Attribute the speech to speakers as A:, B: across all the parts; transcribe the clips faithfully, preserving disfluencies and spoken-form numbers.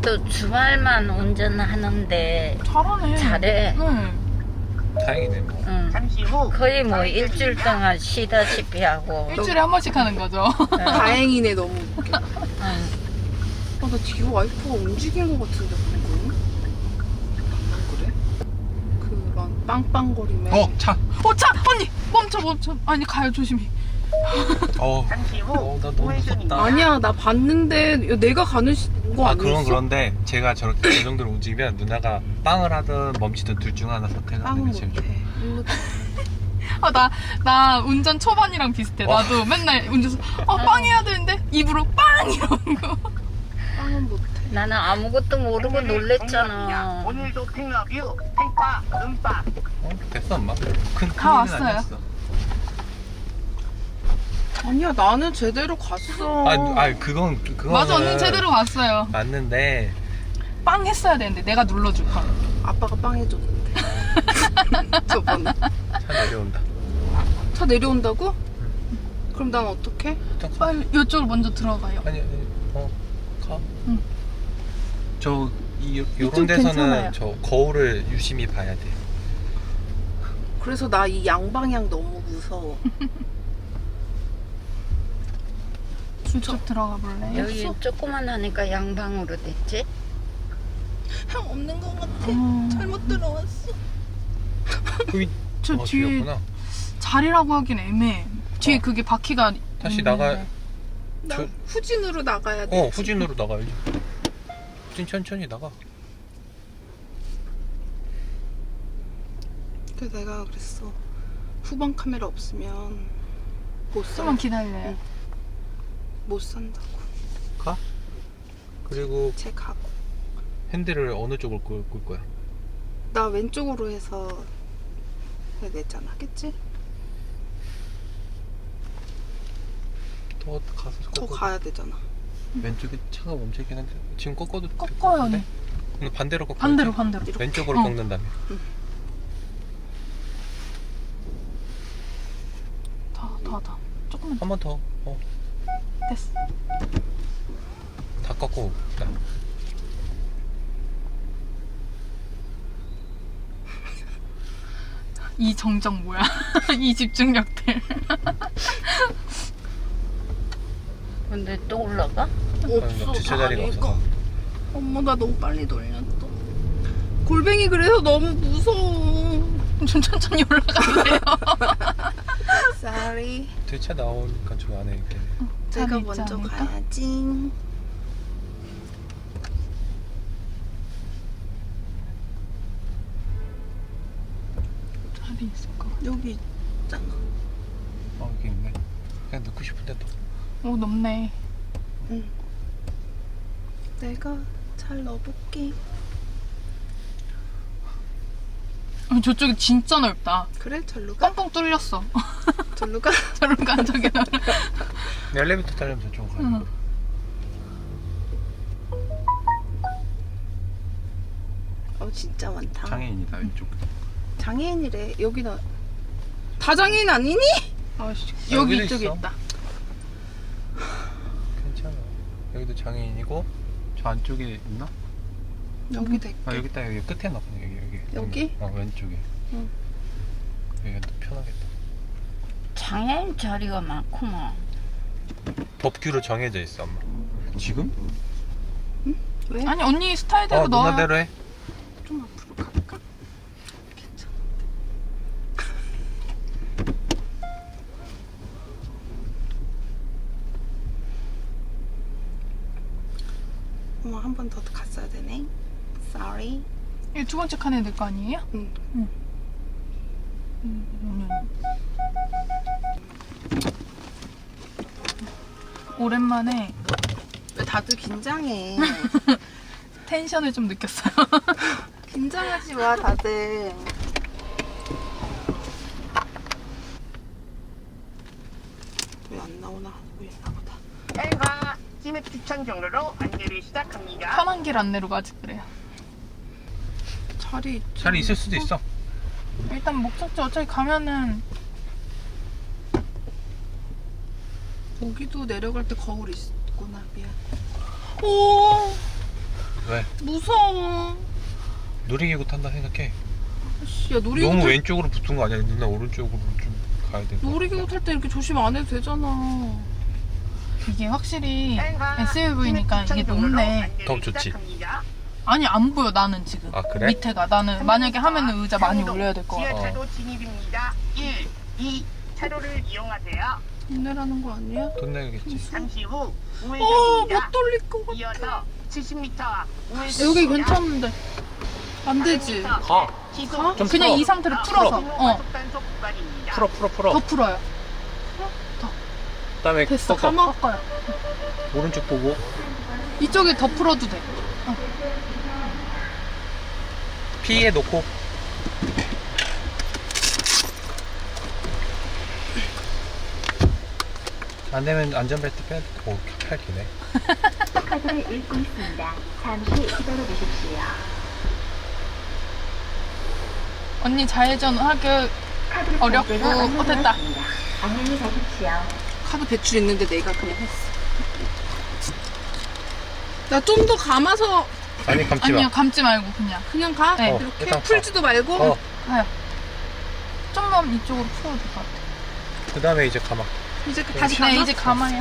A: 그래도 주말만 운전하는데
B: 잘하네.
A: 잘해.
B: 응.
C: 다행이네 뭐.
A: 응.
D: 잠시 후
A: 거의 뭐 일주일 동안 쉬다시피 하고.
B: 일주일에 한 번씩 하는 거죠.
E: 다행이네. 너무 웃겨.
A: 응.
E: 아, 나 뒤에 와이퍼가 움직인 것 같은데 방금? 안 그래? 그런 빵빵거림에
C: 어 차.
B: 어, 차! 언니! 멈춰, 멈춰. 아니, 가요, 조심히.
C: 어.
D: 잠시 후
C: 어, 나 너무 무섭다.
E: 아니야, 나 봤는데 내가 가는 시- 거
C: 아
E: 아니었어?
C: 그건 그런데 제가 저렇게 그 정도로 움직이면 누나가 빵을 하든 멈추든 둘 중 하나 선택하는
E: 빵은
C: 게 제일 좋아.
E: 못해. 일로
B: 아, 나, 나 운전 초반이랑 비슷해.
C: 와.
B: 나도 맨날 운전서, 어, 빵 해야 되는데, 입으로 빵! 이러는 거.
E: 빵은 못해.
A: 나는 아무것도 모르고 놀랬잖아.
D: 오늘도 핑러뷰 핑파 음파.
C: 어? 됐어 엄마. 큰
B: 다 왔어요.
C: 아니었어.
E: 아니야, 나는 제대로 갔어.
C: 아, 아 그건 그건
B: 맞아, 언니 제대로 갔어요.
C: 맞는데
B: 빵 했어야 되는데, 내가 눌러줄 걸.
E: 아빠가 빵 해줬는데. 저번에.
C: 차 내려온다.
E: 차 내려온다고? 그럼 난 어떡해?
B: 빨리, 이쪽으로 먼저 들어가요.
C: 아니 아니 어 가.
B: 응.
C: 저 이,
B: 이쪽
C: 요런 데서는
B: 괜찮아요.
C: 저 거울을 유심히 봐야 돼.
E: 그래서 나 이 양방향 너무 무서워.
B: 이쪽 들어가 볼래요?
A: 여기 조그만 하니까 양방으로 됐지?
E: 형 없는 것 같아.
B: 음.
E: 잘못 들어왔어.
C: 거기
B: 저
C: 어,
B: 뒤에
C: 뒤였구나.
B: 자리라고 하긴 애매해. 뒤에
C: 어.
B: 그게 바퀴가.
C: 다시
B: 있는데.
C: 나가.
E: 나
C: 저-
E: 후진으로 나가야 돼.
C: 어 후진으로 나가야지. 후진 천천히 나가.
E: 그래서 내가 그랬어. 후방 카메라 없으면 못 사.
B: 좀만 기다려요.
E: 응. 못 산다고.
C: 가. 그리고
E: 쟤 가고.
C: 핸들을 어느 쪽으로 끌, 끌 거야?
E: 나 왼쪽으로 해서 해야 되잖아. 그치?
C: 더 가서
E: 더
C: 꺾어.
E: 가야 되잖아.
C: 왼쪽에 차가 멈춰 있긴 한데 지금 꺾어도 될것
B: 꺾어요,
C: 같은데?
B: 언니.
C: 근데 반대로 꺾어.
B: 반대로, 반대로.
C: 왼쪽으로
B: 어.
C: 꺾는다며.
B: 더, 더, 더. 조금만 더.
C: 한 번 더. 어.
B: 됐어.
C: 다 꺾고. 나.
B: 이 정적 뭐야? 이 집중력들.
A: 근데 또 올라가?
E: 없어.
C: 주차 자리가
E: 다리가.
C: 없어.
E: 엄마 나 너무 빨리 돌렸어. 골뱅이 그래서 너무 무서워.
B: 좀 천천히 올라가주세요.
E: Sorry.
C: 뒤차 나오니까 저 안에 이렇게.
E: 제가
B: 자리 있지
E: 먼저
B: 않을까?
E: 가야지.
B: 자리 있을 것 같아.
E: 여기 있잖아.
C: 어 여기 있네. 그냥 넣고 싶은데 또.
B: 오, 높네.
E: 응. 내가 잘 넣어볼게.
B: 어, 저쪽이 진짜 넓다.
E: 그래? 절로 가?
B: 뻥뻥 뚫렸어.
E: 절로 가?
B: 저런 간 저기 나.
C: 엘리베이터 타려면 저쪽으로 가야
B: 응.
C: 돼.
E: 어 진짜 많다.
C: 장애인이다 왼쪽.
E: 장애인이래. 여기는 다 장애인 아니니?
B: 아씨,
C: 아,
B: 여기
C: 여기도
B: 이쪽에
C: 있어.
B: 있다.
C: 괜찮아. 여기도 장애인이고 저 안쪽에 있나?
E: 여기 대.
C: 아 여기 있다. 여기 끝에 나 여기 여기.
E: 여기?
C: 어 왼쪽에.
E: 응.
C: 여기가 더 편하겠다.
A: 장애인 자리가 많구만.
C: 법규로 정해져 있어 엄마. 지금?
E: 왜?
B: 아니, 언니 스타일대로
C: 어
B: 넣어요.
C: 누나대로 해.
E: 좀 앞으로 갈까? 괜찮아. 엄마 한 번 더 갔어야 되네. Sorry.
B: 이두 번째 칸에 넣을 거 아니에요?
E: 응.
B: 음, 오랜만에
E: 왜 다들 긴장해?
B: 텐션을 좀 느꼈어요.
E: 긴장하지 마, 다들. 왜 안 나오나 하고 있나 보다.
D: 헬과 찜액 추천 경로로 안내를 시작합니다.
B: 편한 길 안내로 가지 그래요.
E: 자리 있죠?
C: 자리 있을 수도 있어.
B: 일단 목적지 어차피 가면은
E: 여기도 내려갈 때 거울 있구나. 미안.
B: 오
C: 왜?
E: 무서워.
C: 놀이기구 탄다 생각해.
E: 씨, 야 놀이기구
C: 너무
E: 탈,
C: 왼쪽으로 붙은 거 아니야? 누나 오른쪽으로 좀 가야 돼.
E: 놀이기구 탈 때 이렇게 조심 안 해도 되잖아. 이게 확실히 에스유브이니까 이게 높네.
C: 더 좋지.
E: 아니 안 보여 나는 지금.
C: 아, 그래?
E: 밑에가 나는 만약에 하면은 의자 많이 올려야 될 것 같아.
D: 지하차도 진입입니다. 일, 이 차로를 이용하세요.
E: 힘내라는 거 아니야?
C: 돈 내야겠지.
D: 잠시 후
E: 어,
D: 우회전입니다.
E: 못 돌릴 것 같아.
D: 이어서 칠십 미터 우회전.
E: 여기 괜찮은데. 안 되지.
C: 가.
E: 가?
C: 좀
E: 그냥
C: 풀어.
E: 이 상태로 풀어서. 어.
C: 풀어 풀어 풀어.
E: 더 풀어요.
C: 그다음에
E: 됐어.
C: 꺾어.
E: 꺾어요.
C: 오른쪽 보고.
E: 이쪽에 더 풀어도 돼.
C: 피에 놓고. 안 되면 안전벨트 빼. 오, 팔 기네.
F: 카드를 읽고 있습니다. 잠시 기다려 주십시오.
E: 언니 좌회전 하기
F: 카드를
E: 어렵고,
F: 결제가
E: 어, 됐다.
F: 완료되었습니다. 안녕히 가십시오.
E: 카드 배출 있는데 내가 그냥 했어. 나 좀 더 감아서.
C: 아니 감지 마.
E: 아니요, 감지 말고 그냥. 그냥 가? 네.
C: 어,
E: 이렇게
C: 일단 가.
E: 풀지도 말고.
C: 어.
E: 가요. 좀만 이쪽으로 풀어도 될 것 같아.
C: 그 다음에 이제 가마.
E: 이제 다시 가. 네, 이제 가만히.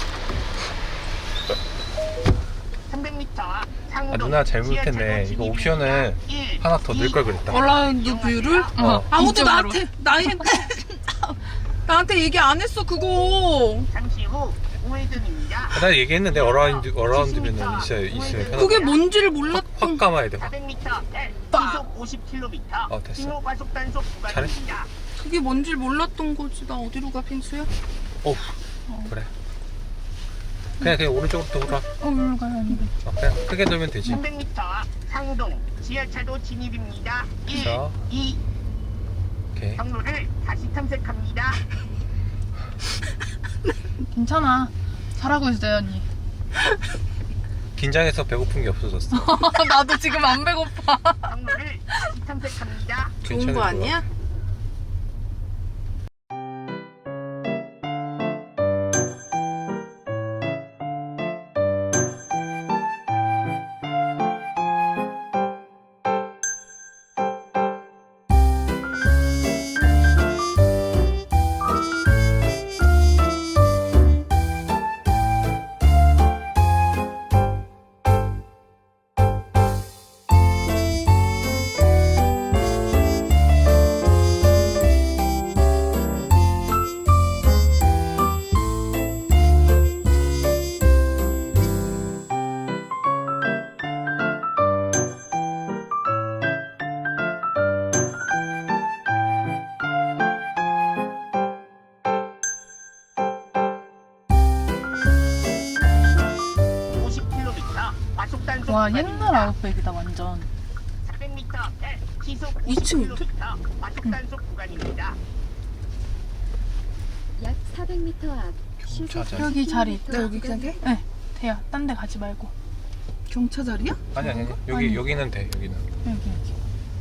D: 삼백 미터
C: 아
D: 상동
C: 누나 잘못했네. 이거 옵션을 하나 더 넣을 걸 그랬다.
E: 얼라운드 뷰를?
C: 어.
E: 아무도
C: 이쪽으로.
E: 나한테 나한테 나한테 얘기 안 했어 그거.
D: 잠시 후 우회전입니다.
C: 아, 나 얘기했는데 어라운드 어라운드면은 있어요 있으면 편하다.
E: 그게 뭔지를 몰랐.
C: 확 감아야 돼. 확.
D: 사백 미터 L
E: 빠.
D: 시속 오십 킬로미터
C: 어, 됐어.
D: 신호 과속 단속 구간입니다.
E: 그게 뭔지를 몰랐던 거지. 나 어디로 가 핑수야?
C: 오 그래. 그냥 그냥 오른쪽으로 돌아.
E: 어, 일로 가요 언니.
C: 어, 그냥 크게 돌면 되지.
D: 삼백 미터 상동 지하차도 진입입니다. 일,
C: 자.
D: 이
C: 오케이.
D: 경로를 다시 탐색합니다.
E: 괜찮아. 잘하고 있어요 언니.
C: 긴장해서 배고픈 게 없어졌어.
E: 나도 지금 안 배고파.
D: 경로를 다시 탐색합니다.
C: 괜찮을 거야.
D: 오십 킬로미터 과속 단속
E: 와
D: 구간입니다.
E: 옛날 아웃백이다 완전.
D: 사백 미터 L 시속
E: 이
D: 오십
E: 층인데?
D: 킬로미터 과속 단속 구간입니다.
F: 약 사백 미터 앞
C: 경차자.
E: 여기 자리 있다.
F: 나 여기 그냥 해?
E: 네 돼요. 딴 데 가지 말고.
B: 경차 자리야?
C: 아니 아니 아니. 여기
E: 아니.
C: 여기는 돼. 여기는.
E: 여기 여기.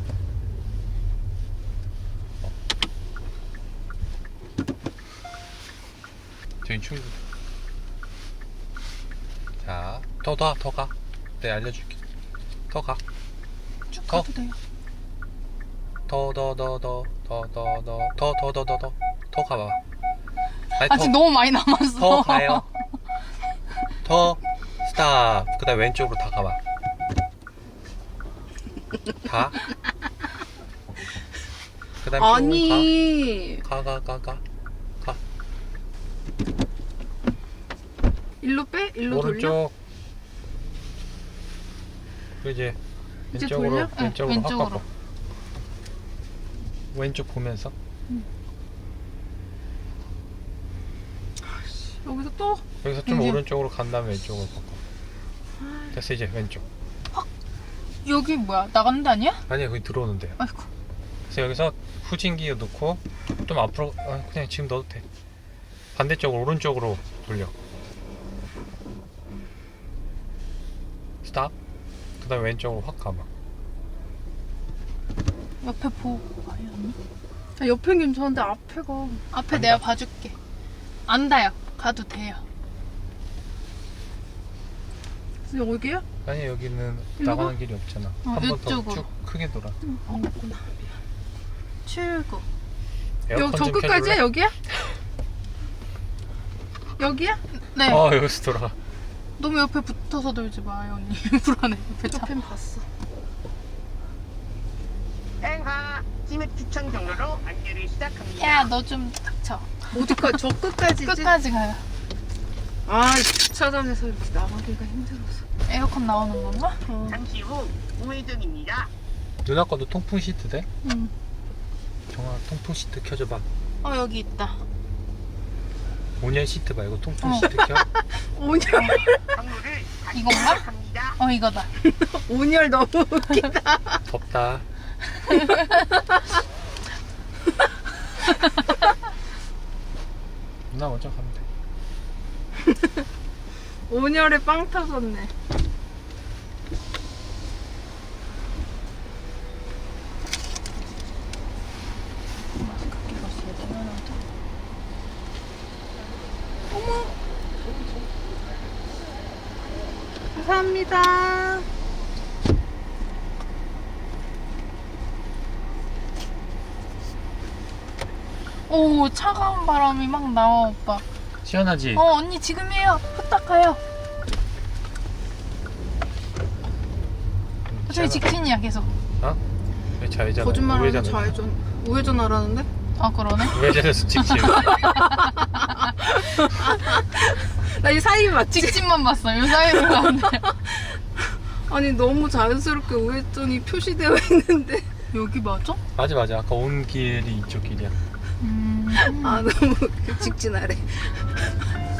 C: 저희 충분. 자, 더 더 더 가. 네 알려줄게. 더 가.
E: 쭉
C: 더.
E: 가도 돼요.
C: 더 더 더 더 더 더 더 더 더 더 더 더 더 가봐. 아니,
E: 아직
C: 더,
E: 너무 많이 남았어.
C: 더 가요. 더 스탑. 그다음 왼쪽으로 다 가봐. 다. 그다음
B: 아니
C: 가. 가 가 가 가. 가.
B: 일로 빼? 일로 돌려?
C: 오른쪽. 그 이제
B: 이제
C: 왼쪽으로
B: 돌려?
E: 응,
C: 왼쪽으로 확
E: 왼쪽으로.
C: 꺾어. 왼쪽 보면서.
B: 여기서 또?
C: 여기서 좀
E: 여기.
C: 오른쪽으로 간 다음에 왼쪽으로 꺾어. 됐어 이제 왼쪽.
E: 여기 뭐야? 나가는 데 아니야?
C: 아니야 거기 들어오는데요.
E: 아이고.
C: 그래서 여기서 후진기 넣고 좀 앞으로 아, 그냥 지금 넣어도 돼. 반대쪽으로 오른쪽으로 돌려. 스탑. 그 다음에 왼쪽으로 확 가봐.
E: 옆에 보고 가요 언니.
B: 아, 옆엔 괜찮은데 앞에가
E: 앞에
C: 안
E: 내가
C: 닿-
E: 봐줄게. 안 닿아요. 가도 돼요.
B: 여기야?
C: 아니 여기는
B: 일로
C: 나가는 길이 없잖아.
B: 어,
C: 한 번 더
B: 이쪽으로.
C: 쭉 크게 돌아.
E: 안 갔구나.
B: 출구.
C: 에어컨
E: 여기 저
C: 좀
E: 끝까지야?
C: 켜줄래?
E: 여기야? 여기야?
B: 네.
C: 어 여기서 돌아.
B: 너무 옆에 붙어서 돌지 마요 언니. 불안해. 옆에 차.
E: 옆엔 봤어.
D: 행하 찜액 추천 경로로 안내를 시작합니다.
B: 야 너 좀 닥쳐.
E: 어디까지? 저 끝까지지?
B: 끝까지 가요.
E: 아, 주차장에서 이렇게 나가기가 힘들어서.
B: 에어컨 나오는 건가?
E: 어.
D: 잠시 후 우회전입니다.
C: 누나 거도 통풍 시트 돼?
B: 응.
C: 정아 통풍 시트 켜줘봐.
B: 어 여기 있다.
C: 온열 시트 말고 통풍
B: 어.
C: 시트 켜.
E: 온열,
D: 경로를 다시
B: 이건가?
D: 시작합니다.
B: 어 이거다.
E: 온열 너무 웃기다.
C: 덥다. 누나 먼저 가면 돼.
E: 온열에 빵 터졌네. 감사합니다.
B: 오 차가운 바람이 막 나와 오빠.
C: 시원하지?
B: 어 언니 지금이에요. 후딱 가요.
C: 음,
B: 저희
C: 시원하-
B: 직진이야 계속.
C: 어? 왜 좌회전?
E: 거짓말하면
C: 우회전을.
E: 좌회전. 우회전 하라는데?
B: 아 그러네.
C: 우회전에서 직진.
E: 나 이 사이 맞지?
B: 직진만 봤어. 요 사이로 가는데.
E: 아니 너무 자연스럽게 우회전이 표시되어 있는데.
B: 여기 맞아?
C: 맞아 맞아. 아까 온 길이 이쪽 길이야.
B: 음.
E: 아 너무 직진하래.